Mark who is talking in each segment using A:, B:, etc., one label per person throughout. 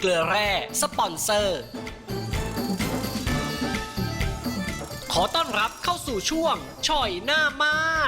A: กลือแร่สปอนเซอร์ ขอต้อนรับเข้าสู่ช่วงช่อยหน้าม่าน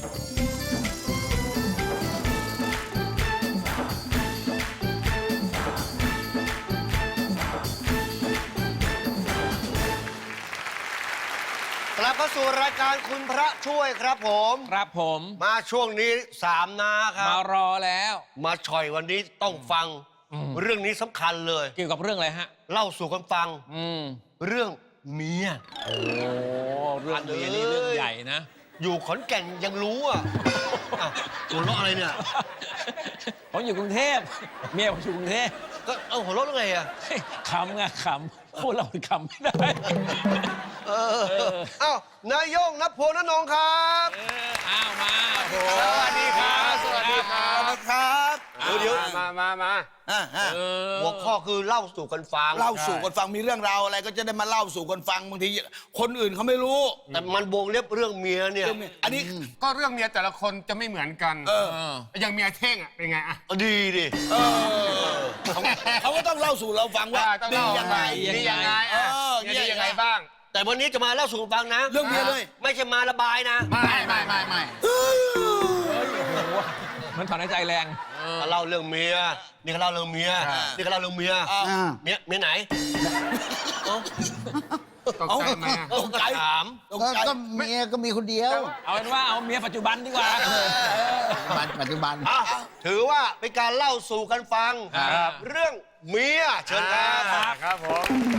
B: กลับเข้าสู่รายการคุณพระช่วยครับผม
C: ครับผม
B: มาช่วงนี้3นาครับ
C: มารอแล้ว
B: มาช่อยวันนี้ต้องฟัง เรื่องนี้สำคัญเลย
C: เกี่ยวกับเรื่องอะไรฮะ
B: เล่าสู่กันฟัง เรื่องเมีย
C: โอ้เรื่องเมียนี่เรื่องใหญ่นะ
B: อยู่ขอนแก่นยังรู้อ่ะอ้าวหัวเราะอะไรเนี่ย
C: ผมอยู่กรุงเทพเมียผมอยู่กรุงเทพ
B: ก็หัวเราะได้ไงอ่ะ
C: ขำไงขำพูดเราขำไม่ได้
B: อ้าวนายโย่งนภพลนงค์ครับ
C: อ้าวมาโอ้โห
B: สวัสดีครับสวัสดีครับ
D: ครับ
B: เดี๋ยว
D: มา
B: หัวข้อคือเล่าสู่กันฟัง
D: เล่าสู่กันฟังมีเรื่องราวอะไรก็จะได้มาเล่าสู่กันฟังบางทีคนอื่นเขาไม่รู้
B: แต่มันวงเล็บเรื่องเมียเนี่ย
D: อันนี้
E: ก็เรื่องเมียแต่ละคนจะไม่เหมือนกัน อย่างเมียเท่งอ่ะเป็นไงอ่ะ
B: ดีดิ
D: เขาก็ต้องเล่าสู่เราฟังว่า
E: ต้อง
D: ดี
E: เล่า
D: ยังไง
E: ดียังไงอ่ะดียังไงบ้าง
B: แต่วันนี้จะมาเล่าสู่กันฟังนะ
D: เรื่องเมียเลย
B: ไม่ใช่มาระบายนะ
E: ไม่
C: มันถอนหายใจแรง
B: เขาเล่าเรื่องเมีย นี่เขาเล่าเรื่องเมีย นี่เขาเล่าเรื่องเมีย เมียไหน
E: ตกใจไหมอ่ะ
B: ก็ถาม
D: ตกใจ
F: ก็เมียก็มีคนเดียว
C: เอาเป็นว่าเอาเมียปัจจุบันดีกว่า
F: ปัจจุบัน
B: อ่ะถือว่าเป็นการเล่าสู่กันฟัง
C: ครับ
B: เรื่องเมียเชิญครับ
E: ครับผม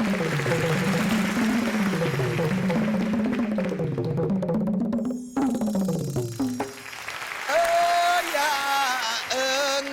D: อย่าเอิง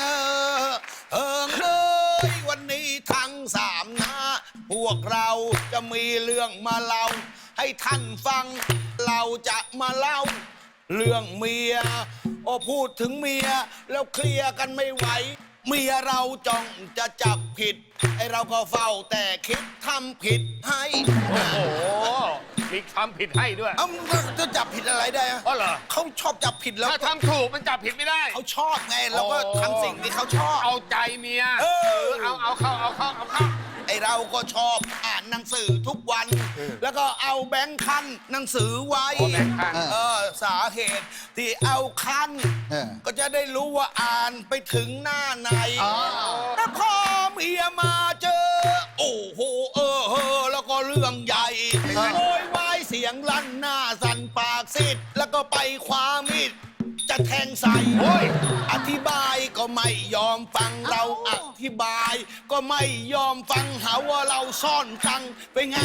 D: เลยวันนี้ทั้งสามนาพวกเราจะมีเรื่องมาเล่าให้ท่านฟัง เราจะมาเล่า เรื่องเมียโอ้พูดถึงเมียแล้วเคลียร์กันไม่ไหว เมียเราจ้องจะจับผิดไอเราก็เฝ้าแต่คิดทำผิดให้
E: โอ้โหมีทำผิดให้ด้วย
D: เอ้าจะจับผิดอะไรได้อะ
E: อ๋อเหรอ
D: เขาชอบจับผิดแล้ว
E: ถ้าทำถูกมันจับผิดไม่ได้
D: เขาชอบไงเราก็ทำสิ่งที่เขาชอบ
E: เอาใจเมีย เอาเข้า
D: ไอเราก็ชอบอ่านหนังสือทุกวัน แล้วก็เอาแบงค์คันหนังสือไว้
E: อ๋อแบงค์คัน
D: สาเหตุที่เอาคัน ก็จะได้รู้ว่าอ่านไปถึงหน้าไหนแต่พอเมียมาเจอ โอ้โหแล้วก็เรื่องใหญ่โวยวายเสียงลั่นหน้าสั่นปากซิดแล้วก็ไปคว้ามีดจะแทงใส่อธิบายก็ไม่ยอมฟังเราอธิบาย ก็ไม่ยอมฟังหาว่าเราซ่อนตังค์เป็นไง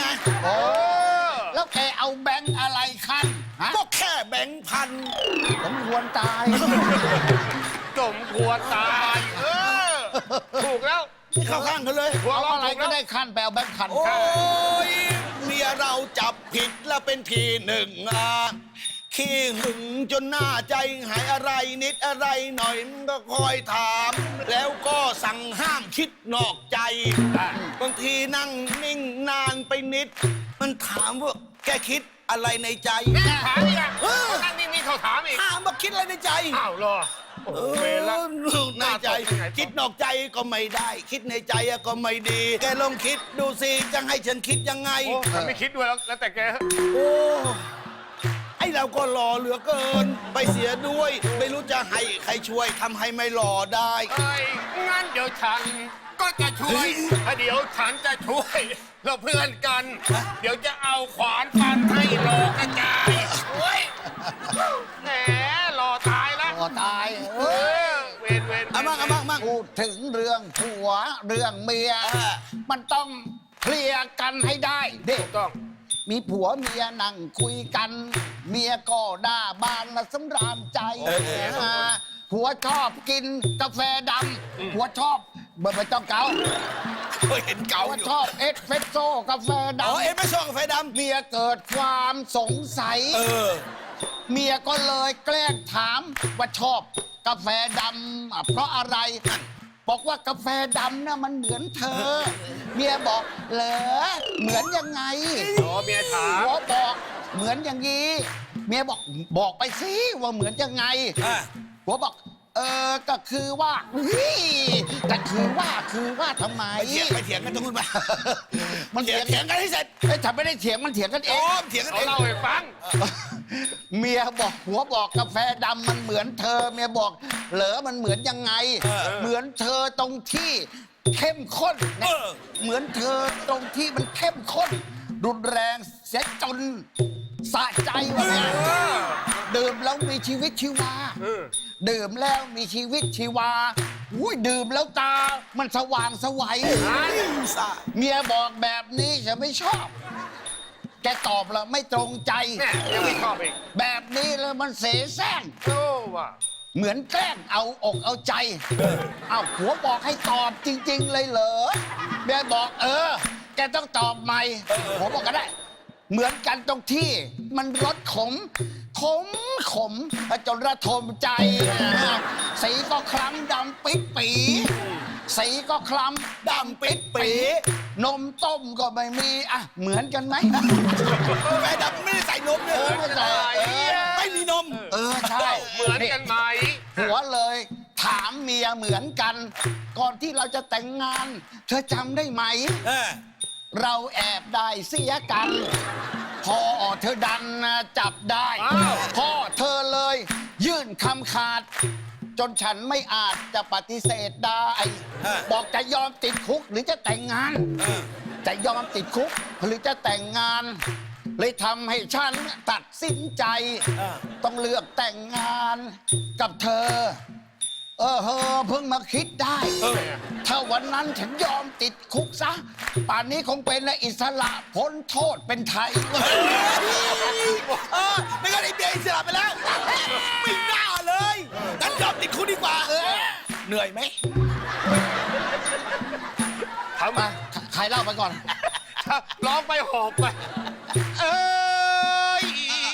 F: แล้วแกเอาแบงค์อะไรคันฮะ
D: ก็แค่แบงค์พัน
F: ผมควรตาย
E: สมควรตายถูกแล้ว
D: นี่เข้าข้างกันเลย
E: หัว
F: เอา
E: เราะ
F: อะไร
E: ถูก
F: ก็
E: แล้ว
F: ได้คันไปเอาแบงค์คัน
D: โอ้ยเมียเราจับผิดแล้วเป็นทีหนึ่งขี้หึงจนหน้าใจหายอะไรนิดอะไรหน่อยมันก็คอยถาม แล้วก็สั่งห้ามคิดนอกใจ บางทีนั่งนิ่งนานไปนิด มันถามว่าแกคิดอะไรในใจ
E: ถามอีกอ่ะนั่งนิ่งๆเขาถามอีก
D: ถามว่าคิดอะไรในใจ
E: อ้าวเหรอโอ้โหเวรละ
D: ในใจ คิดนอกใจก็ไม่ได้ คิดในใจก็ไม่ดี แกลองคิดดูสิจะให้ฉันคิดยังไง
E: โอ้ผมไม่คิดด้วยแล้วแต่แก
D: โอ้ไอเราก็หล่อเหลือเกิน ไปเสียด้วย ไม่รู้จะให้ใครช่วยทำให้ไม่หล่อได้
E: เอ้ยงั้นเดี๋ยวฉันก็จะช่วยเดี๋ยวฉันจะช่วย เราเพื่อนกัน เดี๋ยวจะเอาขวานฟันให้โลกระจายโอ้ยแหมหล่อตายแล้ว
F: ก็ตาย
E: เออเวร
D: เอามั่ง
F: พูดถึงเรื่องผัวเรื่องเมีย มันต้องเคลียร์กันให้ได้เด็ก
E: ถูกต้อง
F: มีผัวเมียนั่งคุยกัน เมียก็ด่าบานละสำราญใจผัวชอบกินกาแฟดำผัวชอบไม่ต้องเกา
D: เคยเห็นเก่า
F: ผัว
D: อยู่
F: ชอบเอสเฟรสโซ่กาแฟดำ
D: อ๋อเอ็นไม่ชอบกาแฟดำ
F: เมียเกิดความสงสัย เมียก็เลยแกล้งถามว่าชอบกาแฟดำเพราะอะไร บอกว่ากาแฟดำน่ะมันเหมือนเธอ เมียบอกเหรอเหมือนยังไง
E: อ๋อเมียถาม
F: ผัวบอกเหมือนอย่างนี้ เมียบอกไปสิว่าเหมือนยังไงผัวบอกก็คือว่าก็คือว่าทำไม
D: ไปเถียงกันตรงนู้นไป
F: มัน
D: เถียงกันให้เสร็จ
F: ถ้าไม่ได้เถียงมันเถียงกันเอ
D: โอ้
F: ง
D: เถียงกัน
E: เขา
D: เอง
E: เล่าให้ฟัง
F: เมียบอกผัวบอกกาแฟดำมันเหมือนเธอเมียบอกเหรอมันเหมือนยังไง เหมือนเธอตรงที่เข้มข้นนะเหมือนเธอตรงที่มันเข้มข้นรุนแรงเสียจนสะใจวะเนี่ยดื่มแล้วมีชีวิตชีวาดื่มแล้วมีชีวิตชีวาอุ้ยดื่มแล้วตามันสว่างไสวัยเมียบอกแบบนี้ฉันไม่ชอบ แกตอบแล้วไม่ตรงใจ
E: แม่ยังไม่ชอบอีก
F: แบบนี้แล้วมันเสแสร้ง
E: โอ้ว่ะ
F: เหมือนแกล้งเอาอกเอาใจ เอาผัวบอกให้ตอบจริง ๆ เลยเหรอแม่บอกแกต้องตอบใหม่ผัวบอกก็ได้ เหมือนกันตรงที่มันรสขมจนระทมใจนะสีก็คล้ำดำปิดปีสีก็คล้ำดำปิดปีนมต้มก็ไม่มีอ่ะเหมือนกันไหม
D: กาแฟดำไม่ได้ใส่นมเนี่ย
F: ไม่ใส่
D: ไม่มีนม
F: ใช่
E: เหมือนกันไหม
F: ผัวเลยถามเมียเหมือนกัน ก่อนที่เราจะแต่งงาน เธอจำได้ไหม เราแอบได้เสียกัน พอเธอดันจับได้ พ่อเธอเลยยื่นคำขาด จนฉันไม่อาจจะปฏิเสธได้ บอกจะยอมติดคุกหรือจะแต่งงาน จะยอมติดคุกหรือจะแต่งงาน เลยทำให้ฉันตัดสินใจ ต้องเลือกแต่งงานกับเธอ เพิ่งมาคิดได้ ถ้าวันนั้นฉันยอมติดคุกซะ ป่านนี้คงเป็นอิสระพ้นโทษเป็นไทย
D: ไม่งั้นไอ้เบียร์อิสระไปแล้ว ไม่น่าเลยงั้นยอมติดคุกดีกว่าเหนื่อยไหม
E: ทำ
F: มาใครเล่าไปก่อน
E: ร้องไปหอบไป เอ้ย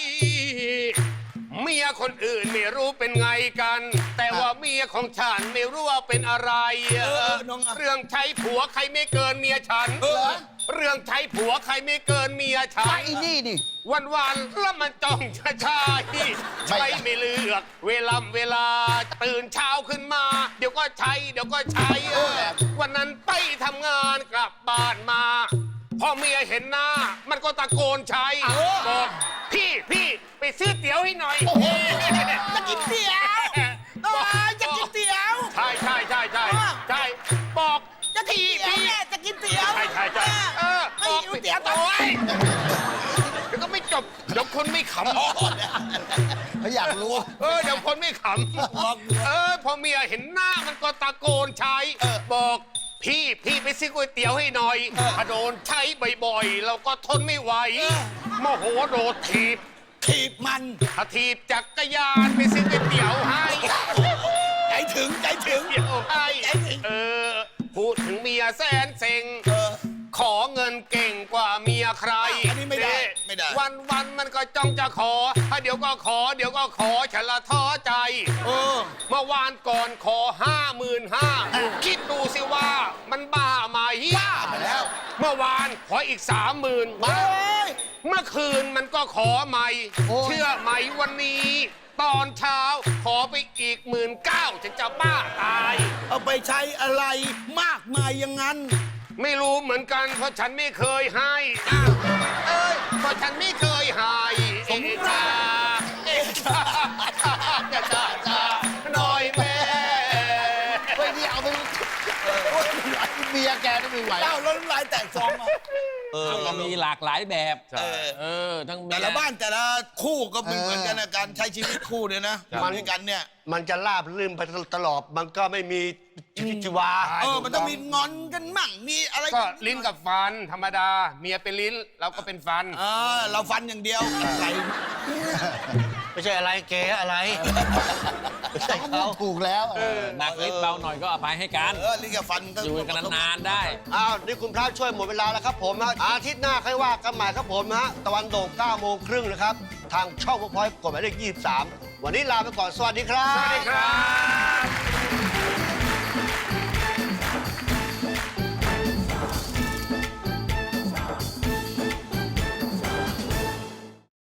E: เมียคนอื่นไม่รู้เป็นไงกัน แต่ว่าเมียของฉันไม่รู้ว่าเป็นอะไร
D: น้องอะ
E: เรื่องใช้ผัวใครไม่เกินเมียฉัน เรื่องใช้ผัวใครไม่เกินเมียฉั
F: ไอ้
E: น
F: นี่ดิ
E: วันๆแล้วมันจ้องจะใช่ใช้ไม่เลือกเวลาตื่นเช้าขึ้นมา เดี๋ยวก็ใช้วันนั้นไปทำงานกลับบ้านมา พอเมียเห็นหน้า มันก็ตะโกนใช้บอกพี่ไปซื้อเตี๋ยวให้หน่อย
D: จะกินเตี๋ยวจะกินเตี๋ยว
E: ใช่บอก
D: จะกินเตี๋ยวแม่จะกินเตี๋ยว
E: ใช่
D: ไม่หิวเตี๋ยวต่อ
E: โอ๊ยเดี๋ยวก็ไม่จบเดี๋ยวคนไม่ขำ
F: เขาอยากรู้
E: เดี๋ยวคนไม่ขำพอเมียเห็นหน้ามันก็ตะโกนใช้บอกพี่ไปซื้อก๋วยเตี๋ยวให้หน่อยถ้าโดนใช้บ่อยๆเราก็ทนไม่ไหวโมโหโดดถีบ
D: มัน
E: ถ้าถีบจักรยานไปซื้อก๋วยเตี๋ยวให้
D: ใจถึง
E: เตี๋ยวให้พูดถึงเมียแสนเซ็งขอเงินเก่งกว่าเมียใคร
D: อันนี้ไม่ได้
E: วันมันก็จ้องจะขอเดี๋ยวก็ขอฉันละท้อใจเมื่อวานก่อนขอ55,000คิดดูสิว่ามันบ้าไหมบ้าไปแล้วเมื่อวานขออีก30,000เมื่อคืนมันก็ขอใหม่เชื่อไหมวันนี้ ตอนเช้าขอไปอีก19,000ฉันจะบ้าตาย
D: เอาไปใช้อะไรมากมายอย่างนั้น
E: ไม่รู้เหมือนกันเพราะฉันไม่เคยให้เพราะฉันไม่เคยให้เอกชาน้อยแม่
F: เฮ้ยนี่เอาไปเมียแกนี่ไม่ไหว
D: เล่าแล้วน้ำลายแตกฟองมา
C: ก็มีหลากหลายแบบทั้งเมีย
D: แต่ละบ้านแต่ละคู่ก็ไม่เหมือนกันนะการใช้ชีวิตคู่เนี่ยนะมาด้วยกันเนี่ย
B: มันจะราบรื่นไปตลอด มันก็ไม่มีชีวิตชีวา
D: มันต้องมีงอนกันมั่งมีอะไร
E: ก็ลิ้นกับฟันธรรมดา เมียเป็นลิ้นเราก็เป็นฟัน
D: เราฟันอย่างเดียวอะไร
B: ไม่ใช่อะไรเก๋อะไรไม่ใช่เขา
F: ถูกแล้ว
C: หนักนิดเบาหน่อยก็อภัยให้กัน
D: ลิ้นกับฟันก็
C: อยู่กันนานๆได้
B: อ้าวนี่คุณพระช่วยหมดเวลาแล้วครับผมนะอาทิตย์หน้าค่อยว่ากันใหม่ครับผมนะตะวันโด่ง9:30นะครับ ทางช่องพอยต์กดหมายเลข23 วันนี้ลาไปก่อนสวัสดีครับ
E: สวัสดีครับ